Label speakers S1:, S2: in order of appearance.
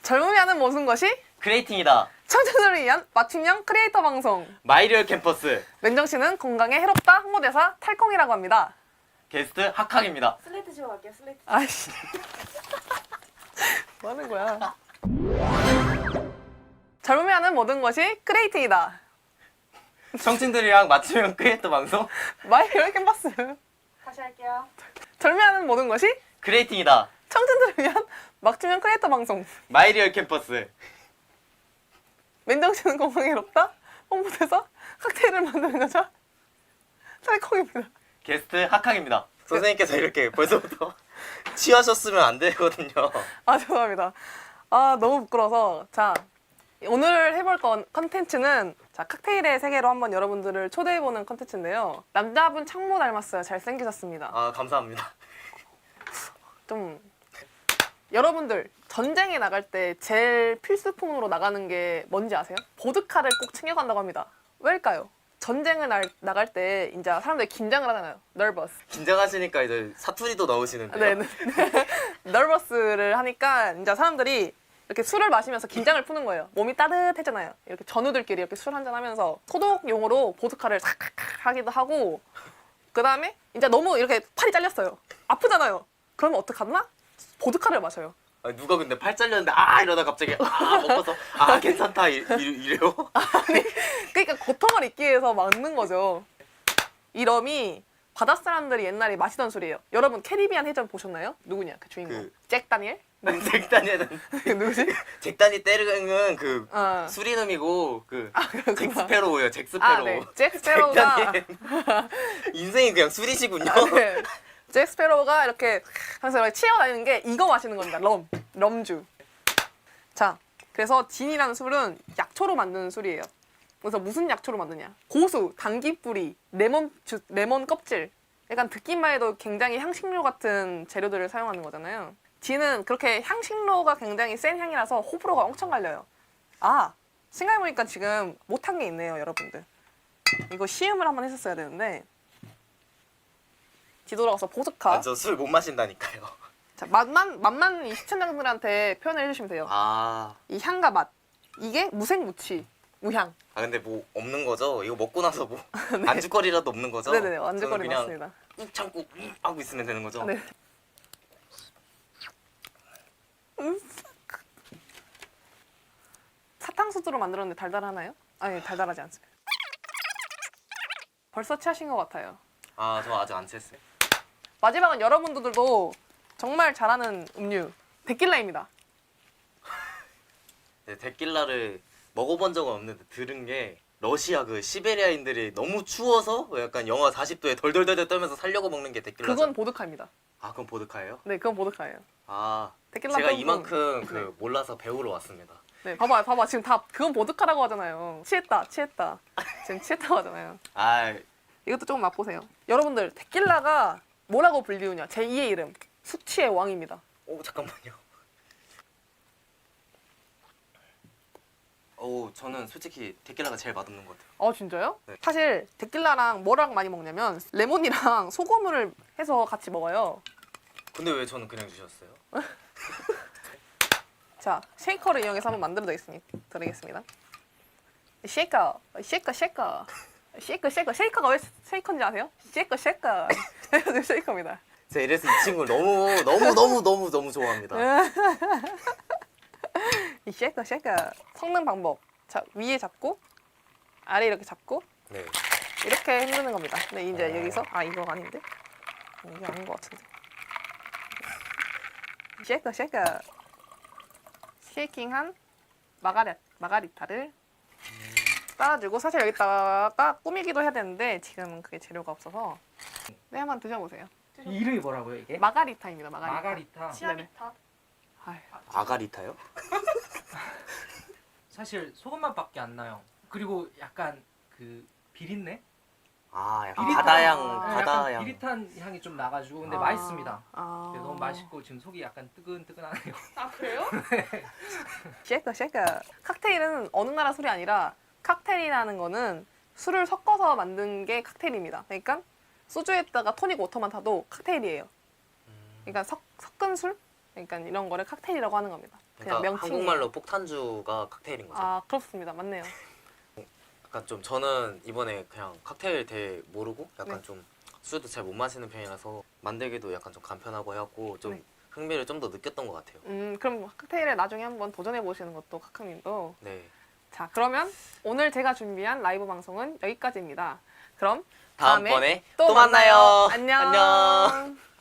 S1: 젊음이 하는 모든 것이
S2: 크리에이팅이다.
S1: 청춘들을 위한 맞춤형 크리에이터 방송.
S2: 마이리얼 캠퍼스.
S1: 맨정씨는 건강에 해롭다 홍보대사 탈콩이라고 합니다.
S2: 게스트 학학입니다.
S3: 슬레이트 치고 갈게요. 슬레이트.
S1: 아이씨. 뭐 하는 거야? 젊음이 하는 모든 것이 크리에이팅이다.
S2: 청춘들이랑 맞춤형 크리에이터 방송
S1: 마이리얼 캠퍼스.
S3: 다시 할게요.
S1: 젊음이 하는 모든 것이
S2: 크리에이팅이다.
S1: 청춘들을 위한 맞춤형 크리에이터 방송.
S2: 마이리얼 캠퍼스.
S1: 맨정씨는 건강에 해롭다 홍보대사 칵테일을 만드는 여자 탈콩입니다.
S2: 게스트 학학입니다. 선생님께서 이렇게 벌써부터 취하셨으면 안 되거든요.
S1: 아 죄송합니다. 아 너무 부끄러워서. 자 오늘 해볼 컨텐츠는 자 칵테일의 세계로 한번 여러분들을 초대해보는 컨텐츠인데요. 남자분 창모 닮았어요. 잘생기셨습니다.
S2: 아 감사합니다.
S1: 좀 여러분들 전쟁에 나갈 때 제일 필수품으로 나가는 게 뭔지 아세요? 보드카를 꼭 챙겨간다고 합니다. 왜일까요? 전쟁을 나갈 때 이제 사람들이 긴장을 하잖아요. nervous.
S2: 긴장하시니까 이제 사투리도 넣으시는데요.
S1: 네. nervous를 하니까 이제 사람들이 이렇게 술을 마시면서 긴장을 푸는 거예요. 몸이 따뜻해잖아요. 이렇게 전우들끼리 이렇게 술 한잔 하면서 소독용으로 보드카를 삭삭 하기도 하고, 그 다음에 이제 너무 이렇게 팔이 잘렸어요. 아프잖아요. 그러면 어떡하나? 보드카를 마셔요.
S2: 아니, 누가 근데 팔 잘렸는데 이러다 갑자기 먹어서 괜찮다 이래요?
S1: 그러니까 고통을 잊기 위해서 막는 거죠. 이 럼이 바닷사람들이 옛날에 마시던 술이에요. 여러분 캐리비안 해전 보셨나요? 누구냐 그 주인공? 잭 다니엘?
S2: 잭다니엘은
S1: 누구지?
S2: 잭다니 떼르는 그
S1: 어.
S2: 수리놈이고 그
S1: 그렇구나.
S2: 잭스페로우예요. 잭스페로우.
S1: 네. 잭 스페로우가
S2: 잭다니엘. 인생이 그냥 술이시군요.
S1: 네. 잭 스페로우가 이렇게 하면서 이렇게 치어다니는 게 이거 마시는 겁니다. 럼주. 자, 그래서 진이라는 술은 약초로 만드는 술이에요. 그래서 무슨 약초로 만드냐? 고수, 당귀뿌리, 레몬 껍질. 약간 듣기만 해도 굉장히 향신료 같은 재료들을 사용하는 거잖아요. 진은 그렇게 향신료가 굉장히 센 향이라서 호불호가 엄청 갈려요. 아, 생각해보니까 지금 못한 게 있네요, 여러분들. 이거 시음을 한번 했었어야 되는데. 뒤돌아가서 보드카.
S2: 저 술 못 마신다니까요.
S1: 자, 맛만 이 시청자분들한테 표현을 해주시면 돼요. 이 향과 맛. 이게 무색무취, 무향.
S2: 근데 뭐 없는 거죠? 이거 먹고 나서 뭐 안주거리라도 없는 거죠?
S1: 네네네, 안주거리
S2: 저는
S1: 맞습니다.
S2: 꾹 참고 하고 있으면 되는 거죠?
S1: 네. 사탕수수로 만들었는데 달달하나요? 아니, 달달하지 않습니다. 벌써 취하신 것 같아요.
S2: 저 아직 안 취했어요.
S1: 마지막은 여러분들도 정말 잘하는 음료 데킬라입니다.
S2: 네, 데킬라를 먹어본 적은 없는데 들은 게 러시아 그 시베리아인들이 너무 추워서 약간 영하 40도에 덜덜덜 떨면서 살려고 먹는 게 데킬라죠.
S1: 그건 보드카입니다.
S2: 그건 보드카예요?
S1: 네, 그건 보드카예요. 데킬라
S2: 제가
S1: 조금-
S2: 이만큼
S1: 네.
S2: 몰라서 배우러 왔습니다.
S1: 네, 봐봐. 지금 다 그건 보드카라고 하잖아요. 취했다. 지금 취했다고 하잖아요. 이것도 조금 맛보세요. 여러분들, 데킬라가 뭐라고 불리우냐? 제2의 이름, 숙취의 왕입니다.
S2: 잠깐만요. 저는 솔직히 데킬라가 제일 맛없는 것 같아요.
S1: 진짜요?
S2: 네.
S1: 사실 데킬라랑 뭐랑 많이 먹냐면 레몬이랑 소금을 해서 같이 먹어요.
S2: 근데 왜 저는 그냥 주셨어요?
S1: 자, 쉐이커를 이용해서 한번 만들어 드리겠습니다. 쉐이커. 쉐이커가 왜 쉐이커인지 아세요? 쉐이커. 쉐이커입니다.
S2: 제가 이래서 이 친구를 너무 좋아합니다.
S1: 이 쉐이커. 섞는 방법. 자, 위에 잡고 아래 이렇게 잡고
S2: 네.
S1: 이렇게 흔드는 겁니다. 근데 이제 여기서 이거 아닌데? 이게 아닌 것 같은데. 쉐이커. 쉐이킹한 마가리타를 따라주고, 사실 여기다가 꾸미기도 해야 되는데 지금은 그게 재료가 없어서. 네, 한번 드셔보세요.
S4: 이름이 뭐라고요 이게?
S1: 마가리타입니다.
S4: 마가리타.
S3: 치아비타.
S1: 아휴,
S2: 아가리타요?
S4: 사실 소금맛밖에 안 나요. 그리고 약간 그 비린내?
S2: 약간
S4: 비릿한-
S2: 바다향.
S4: 약간 비릿한 향이 좀 나가지고 근데 맛있습니다. 그래서 너무
S1: 맛있.
S4: 맛있고 지금 속이 약간 뜨끈뜨끈하네요.
S3: 그래요?
S1: 쉐이커. 칵테일은 어느 나라 술이 아니라, 칵테일이라는 거는 술을 섞어서 만든 게 칵테일입니다. 그러니까 소주에다가 토닉 워터만 타도 칵테일이에요. 그러니까 섞은 술? 그러니까 이런 거를 칵테일이라고 하는 겁니다. 그냥
S2: 그러니까
S1: 명칭.
S2: 한국말로 폭탄주가 칵테일인 거죠.
S1: 아 그렇습니다. 맞네요.
S2: 약간 좀 저는 이번에 그냥 칵테일 대해 모르고 약간
S1: 네.
S2: 좀 술도 잘 못 마시는 편이라서 만들기도 약간 좀 간편하고 해갖고 좀
S1: 네.
S2: 흥미를 좀 더 느꼈던 것 같아요.
S1: 그럼 칵테일에 나중에 한번 도전해 보시는 것도 카카님도.
S2: 네.
S1: 자 그러면 오늘 제가 준비한 라이브 방송은 여기까지입니다. 그럼
S2: 다음번에
S1: 또
S2: 또 만나요.
S1: 안녕.
S2: 안녕.